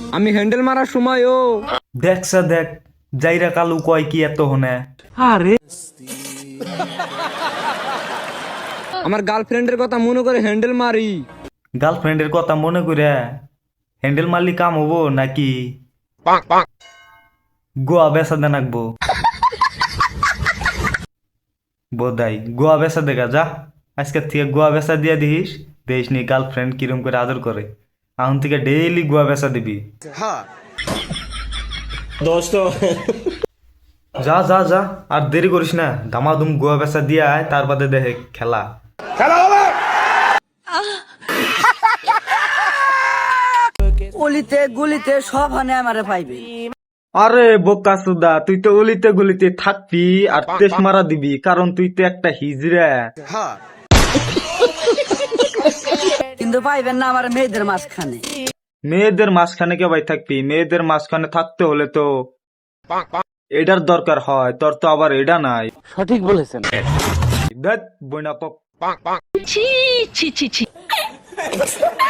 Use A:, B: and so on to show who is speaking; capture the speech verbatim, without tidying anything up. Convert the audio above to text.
A: আমি হ্যান্ডেল মারার সময় ও
B: দেখছা দেখ যাইরা কালু কয় কি এত হনে।
A: আরে আমার গার্লফ্রেন্ডের কথা মনে করে হ্যান্ডেল মারি।
B: গার্লফ্রেন্ডের কথা মনে করে হ্যান্ডেল মারলি কাম হবো নাকি গোয়া বেচা দেন আঁকবো বোধাই গোয়া বেচা দেখা যা আজকের থেকে গোয়া বেচা দিয়া দিস দেশ নি গার্লফ্রেন্ড কিরম করে আদর করে এখন থেকে ডেইলি গোয়া বেচা দিবি। যা যা যা আর দেরি করিস না দামাদুম গোয়া বেচা দিয়া আয় তার বাদে দেখে খেলা।
C: অলিতে গুলিতে সব হানে আমারে পাইবে।
B: আরে বোকা সুদা তুই তো অলিতে গলিতে থাকবি আর তেস মারা দিবি কারণ তুই তো একটা হিজড়া।
C: কিন্তু পাইবেন না আমার মেয়েদের মাঝখানে।
B: মেয়েদের মাঝখানে কে ভাই থাকবি মেয়েদের মাঝখানে থাকতে হলে তো এটার দরকার হয় তোর তো আবার এটা নাই।
A: সঠিক বলেছেন।
B: দেখ বইনা পক
D: ছি ছি ছি ছি